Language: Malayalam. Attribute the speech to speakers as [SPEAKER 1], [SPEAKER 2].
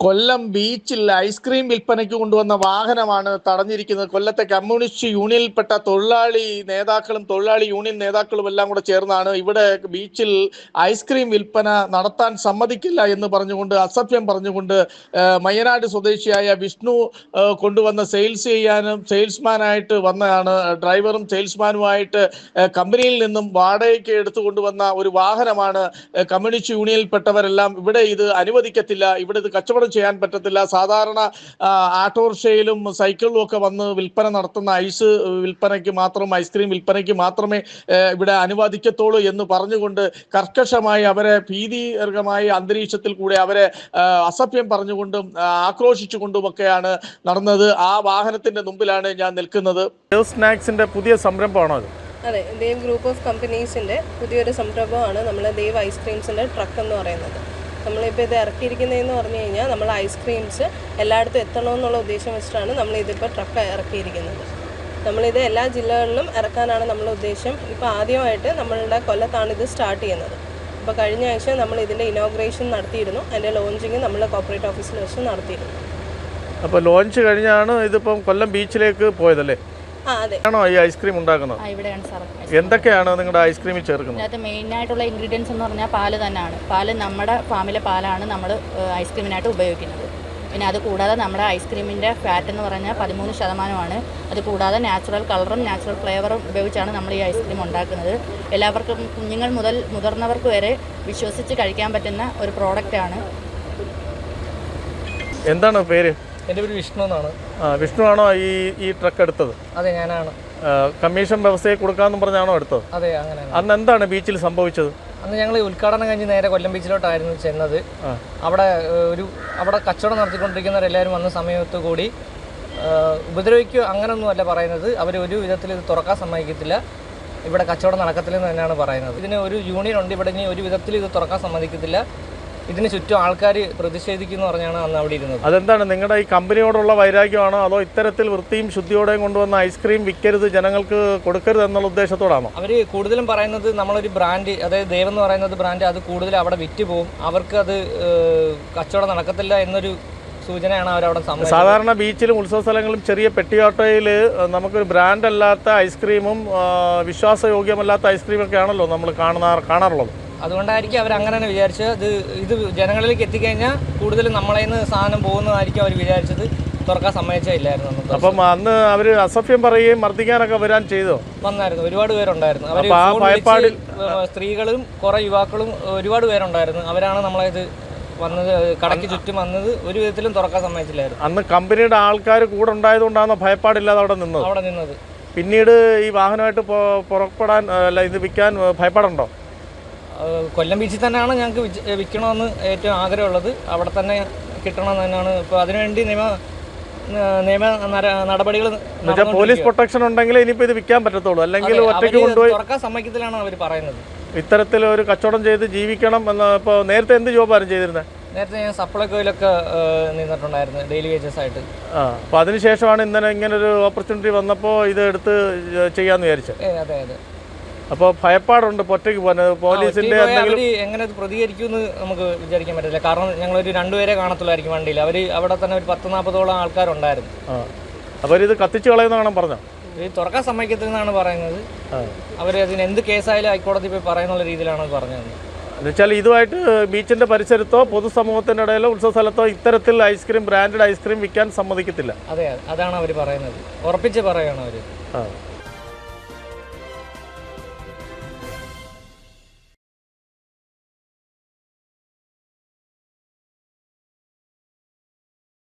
[SPEAKER 1] കൊല്ലം ബീച്ചിൽ ഐസ്ക്രീം വിൽപ്പനയ്ക്ക് കൊണ്ടുവന്ന വാഹനമാണ് തടഞ്ഞിരിക്കുന്നത്. കൊല്ലത്തെ കമ്മ്യൂണിസ്റ്റ് യൂണിയനിൽപ്പെട്ട തൊഴിലാളി നേതാക്കളും തൊഴിലാളി യൂണിയൻ നേതാക്കളും എല്ലാം കൂടെ ചേർന്നാണ് ഇവിടെ ബീച്ചിൽ ഐസ്ക്രീം വിൽപ്പന നടത്താൻ സമ്മതിക്കില്ല എന്ന് പറഞ്ഞുകൊണ്ട്, അസഭ്യം പറഞ്ഞുകൊണ്ട് മയ്യനാട് സ്വദേശിയായ വിഷ്ണു കൊണ്ടുവന്ന സെയിൽസ്മാനായിട്ട് വന്നതാണ്. ഡ്രൈവറും സെയിൽസ്മാനുമായിട്ട് കമ്പനിയിൽ നിന്നും വാടകയ്ക്ക് എടുത്തുകൊണ്ടുവന്ന ഒരു വാഹനമാണ്. കമ്മ്യൂണിസ്റ്റ് യൂണിയനിൽപ്പെട്ടവരെല്ലാം ഇവിടെ ഇത് അനുവദിക്കത്തില്ല, ഇവിടെ ഇത് കച്ചവടം ചെയ്യാൻ പറ്റത്തില്ല, സാധാരണ ആട്ടോറിക്ഷയിലും സൈക്കിളിലും ഒക്കെ വന്ന് വിൽപ്പന നടത്തുന്ന ഐസ്ക്രീം വിൽപ്പനയ്ക്ക് മാത്രമേ ഇവിടെ അനുവദിക്കത്തുള്ളൂ എന്ന് പറഞ്ഞുകൊണ്ട് കർക്കശമായി അവരെ ഭീതികരമായ അന്തരീക്ഷത്തിൽ കൂടെ അവരെ അസഭ്യം പറഞ്ഞുകൊണ്ടും ആക്രോശിച്ചുകൊണ്ടുമൊക്കെയാണ് നടന്നത്. ആ വാഹനത്തിന്റെ മുമ്പിലാണ് ഞാൻ നിൽക്കുന്നത്. സ്നാക്സിന്റെ പുതിയ സംരംഭമാണോ അത്?
[SPEAKER 2] അതെ, ദേവ് ഗ്രൂപ്പ് ഓഫ് കമ്പനീസിൻ്റെ പുതിയൊരു സംരംഭമാണ് നമ്മൾ ദേവ് ഐസ്ക്രീംസിൻ്റെ ട്രക്ക് എന്ന് പറയുന്നത്. നമ്മളിപ്പോൾ ഇത് ഇറക്കിയിരിക്കുന്നതെന്ന് പറഞ്ഞു കഴിഞ്ഞാൽ നമ്മൾ ഐസ്ക്രീംസ് എല്ലായിടത്തും എത്തണമെന്നുള്ള ഉദ്ദേശം വെച്ചിട്ടാണ് നമ്മളിതിപ്പോൾ ട്രക്ക് ഇറക്കിയിരിക്കുന്നത്. നമ്മളിത് എല്ലാ ജില്ലകളിലും ഇറക്കാനാണ് നമ്മളുടെ ഉദ്ദേശം. ഇപ്പോൾ ആദ്യമായിട്ട് നമ്മളുടെ കൊല്ലത്താണ് ഇത് സ്റ്റാർട്ട് ചെയ്യുന്നത്. അപ്പോൾ കഴിഞ്ഞ ആഴ്ച നമ്മൾ ഇതിൻ്റെ ഇനോഗ്രേഷൻ നടത്തിയിരുന്നു. അതിൻ്റെ ലോഞ്ചിങ് നമ്മൾ കോർപ്പറേറ്റ് ഓഫീസിൽ വെച്ച് നടത്തിയിരുന്നു.
[SPEAKER 1] അപ്പോൾ ലോഞ്ച് കഴിഞ്ഞാണ് ഇതിപ്പം കൊല്ലം ബീച്ചിലേക്ക് പോയതല്ലേ? ആണോ ഈ ഐസ്ക്രീം ഉണ്ടാക്കുന്നത്?
[SPEAKER 3] ഇവിടെയാണ് സാർ.
[SPEAKER 1] എന്തൊക്കെയാണ് നിങ്ങളുടെ ഐസ്ക്രീമിൽ ചേർക്കുന്നത്?
[SPEAKER 3] അതിനകത്ത് മെയിനായിട്ടുള്ള ഇൻഗ്രീഡിയൻസ് എന്ന് പറഞ്ഞാൽ പാല് തന്നെയാണ്. പാല് നമ്മുടെ ഫാമിലെ പാലാണ് നമ്മൾ ഐസ്ക്രീമിനായിട്ട് ഉപയോഗിക്കുന്നത്. പിന്നെ അത് കൂടാതെ നമ്മുടെ ഐസ്ക്രീമിൻ്റെ ഫാറ്റ് എന്ന് പറഞ്ഞാൽ 13%. അത് കൂടാതെ നാച്ചുറൽ കളറും നാച്ചുറൽ ഫ്ലേവറും ഉപയോഗിച്ചാണ് നമ്മൾ ഈ ഐസ്ക്രീം ഉണ്ടാക്കുന്നത്. എല്ലാവർക്കും, കുഞ്ഞുങ്ങൾ മുതൽ മുതിർന്നവർക്ക് വരെ വിശ്വസിച്ച് കഴിക്കാൻ പറ്റുന്ന ഒരു പ്രോഡക്റ്റാണ്.
[SPEAKER 1] എന്താണ് പേര്?
[SPEAKER 4] എൻ്റെ പേര് വിഷ്ണു എന്നാണ്.
[SPEAKER 1] വിഷ്ണു ആണോ ഈ ട്രക്ക് എടുത്തത്?
[SPEAKER 4] അതെ, ഞാനാണ്.
[SPEAKER 1] കമ്മീഷൻ വ്യവസ്ഥയെ കൊടുക്കാമെന്ന് പറഞ്ഞാണോ എടുത്തത്?
[SPEAKER 4] അതെ, അങ്ങനെ.
[SPEAKER 1] അന്ന് എന്താണ് ബീച്ചിൽ സംഭവിച്ചത്?
[SPEAKER 4] അന്ന് ഞങ്ങൾ ഉദ്ഘാടനം കഴിഞ്ഞ് നേരെ കൊല്ലം ബീച്ചിലോട്ടായിരുന്നു ചെന്നത്. അവിടെ കച്ചവടം നടത്തിക്കൊണ്ടിരിക്കുന്നവരെല്ലാവരും വന്ന സമയത്ത് കൂടി ഉപദ്രവിക്കുക അങ്ങനെയൊന്നുമല്ല പറയുന്നത്. അവർ ഒരു വിധത്തിൽ ഇത് തുറക്കാൻ സമ്മതിക്കത്തില്ല, ഇവിടെ കച്ചവടം നടക്കത്തില്ലെന്ന് തന്നെയാണ് പറയുന്നത്. ഇതിന് ഒരു യൂണിയൻ ഉണ്ട് ഇവിടെ, ഇനി ഒരു വിധത്തിൽ ഇത് തുറക്കാൻ സമ്മതിക്കത്തില്ല, ഇതിന് ചുറ്റും ആൾക്കാർ പ്രതിഷേധിക്കുന്നു പറഞ്ഞാണ് അന്ന് അവിടെ ഇരുന്നത്.
[SPEAKER 1] അതെന്താണ്, നിങ്ങളുടെ ഈ കമ്പനിയോടുള്ള വൈരാഗ്യമാണോ, അതോ ഇത്തരത്തിൽ വൃത്തിയും ശുദ്ധിയോടെയും കൊണ്ടുവന്ന ഐസ്ക്രീം വിൽക്കരുത്, ജനങ്ങൾക്ക് കൊടുക്കരുത് എന്നുള്ള ഉദ്ദേശത്തോടാണോ?
[SPEAKER 4] അവർ കൂടുതലും പറയുന്നത് നമ്മളൊരു ബ്രാൻഡ്, അതായത് ദേവ് എന്ന് പറയുന്നത് ബ്രാൻഡ്, അത് കൂടുതൽ അവിടെ വിറ്റ് പോകും, അവർക്ക് അത് കച്ചവടം നടക്കത്തില്ല എന്നൊരു സൂചനയാണ് അവരവിടെ സംഭവിച്ചത്.
[SPEAKER 1] സാധാരണ ബീച്ചിലും ഉത്സവ സ്ഥലങ്ങളിലും ചെറിയ പെട്ടിയോട്ടയിൽ നമുക്കൊരു ബ്രാൻഡ് അല്ലാത്ത ഐസ്ക്രീമും വിശ്വാസയോഗ്യമല്ലാത്ത ഐസ്ക്രീമൊക്കെ ആണല്ലോ നമ്മൾ കാണാറുള്ളത്.
[SPEAKER 4] അതുകൊണ്ടായിരിക്കും അവർ അങ്ങനെ തന്നെ വിചാരിച്ചത്. ഇത് ജനങ്ങളിലേക്ക് എത്തിക്കഴിഞ്ഞാൽ കൂടുതലും നമ്മളെ നിന്ന് സാധനം പോകുന്നതായിരിക്കും അവർ വിചാരിച്ചത്. തുറക്കാൻ സമ്മതിച്ചില്ലായിരുന്നു.
[SPEAKER 1] അപ്പം അന്ന് അവർ അസഭ്യം പറയുകയും മർദ്ദിക്കാനൊക്കെ വരാൻ ചെയ്തോ?
[SPEAKER 4] വന്നായിരുന്നു, ഒരുപാട് പേരുണ്ടായിരുന്നു. അവർ സ്ത്രീകളും കുറെ യുവാക്കളും ഒരുപാട് പേരുണ്ടായിരുന്നു. അവരാണ് നമ്മളത് വന്നത്, കടയ്ക്ക് ചുറ്റും വന്നത്. ഒരു വിധത്തിലും തുറക്കാൻ സമ്മതിച്ചില്ലായിരുന്നു.
[SPEAKER 1] അന്ന് കമ്പനിയുടെ ആൾക്കാർ കൂടെ ഉണ്ടായതുകൊണ്ടാണോ ഭയപ്പാടില്ലാതെ അവിടെ നിന്നത്? പിന്നീട് ഈ വാഹനമായിട്ട് പുറപ്പെടാൻ ഇത് വിൽക്കാൻ ഭയപ്പാടുണ്ടോ?
[SPEAKER 4] കൊല്ലം ബീച്ചിൽ തന്നെയാണ് ഞങ്ങൾക്ക് വിൽക്കണമെന്ന് ഏറ്റവും ആഗ്രഹമുള്ളത്. അവിടെ തന്നെ കിട്ടണമെന്ന് തന്നെയാണ്. ഇപ്പോൾ അതിനുവേണ്ടി നിയമ നടപടികൾ,
[SPEAKER 1] പോലീസ് പ്രൊട്ടക്ഷൻ ഉണ്ടെങ്കിൽ ഇനിയിപ്പോൾ ഇത് വിൽക്കാൻ പറ്റത്തുള്ളൂ, അല്ലെങ്കിൽ ഒറ്റയ്ക്ക് കൊണ്ടുപോയി
[SPEAKER 4] തുറക്കാൻ സമ്മതിക്കത്തിലാണ് അവർ പറയുന്നത്.
[SPEAKER 1] ഇത്തരത്തിൽ ഒരു കച്ചവടം ചെയ്ത് ജീവിക്കണം എന്ന്. ഇപ്പോൾ നേരത്തെ എന്ത് ജോബായിരുന്നു ചെയ്തിരുന്നത്?
[SPEAKER 4] നേരത്തെ ഞാൻ സപ്ലൈകോയിലൊക്കെ നിന്നിട്ടുണ്ടായിരുന്നു, ഡെയിലി വേജസ് ആയിട്ട്.
[SPEAKER 1] അപ്പോൾ അതിനുശേഷമാണ് ഇങ്ങനൊരു ഓപ്പർച്യൂണിറ്റി വന്നപ്പോൾ ഇത് എടുത്ത് ചെയ്യാമെന്ന് വിചാരിച്ചത്?
[SPEAKER 4] അതെ അതെ.
[SPEAKER 1] അപ്പോൾ ഭയപ്പാടുണ്ട് ഒറ്റയ്ക്ക് പോകുന്നത്? പോലീസിന്റെ
[SPEAKER 4] എങ്ങനെ പ്രതികരിക്കുമെന്ന് നമുക്ക് വിചാരിക്കാൻ പറ്റില്ല. കാരണം ഞങ്ങളൊരു 2 പേരെ കാണത്തുള്ളായിരിക്കും വണ്ടിയിൽ. അവിടെ തന്നെ ഒരു 10-40ഓളം ആൾക്കാരുണ്ടായിരുന്നു.
[SPEAKER 1] അവരിത് കത്തിച്ച് കളയുന്നതാണ് പറഞ്ഞോ?
[SPEAKER 4] ഇത് തുറക്കാൻ സമ്മതിക്കത്തില്ലെന്നാണ് പറയുന്നത്. അവർ അതിന് എന്ത് കേസായാലും ഹൈക്കോടതി പോയി പറയുന്നുള്ള രീതിയിലാണ് പറഞ്ഞത്.
[SPEAKER 1] എന്നുവെച്ചാൽ ഇതുമായിട്ട് ബീച്ചിന്റെ പരിസരത്തോ പൊതുസമൂഹത്തിന്റെ ഇടയിലോ ഉത്സവ സ്ഥലത്തോ ഇത്തരത്തിൽ ബ്രാൻഡഡ് ഐസ്ക്രീം വിൽക്കാൻ സമ്മതിക്കത്തില്ല.
[SPEAKER 4] അതെ, അതാണ് അവർ പറയുന്നത്. ഉറപ്പിച്ച് പറയുകയാണ് അവർ.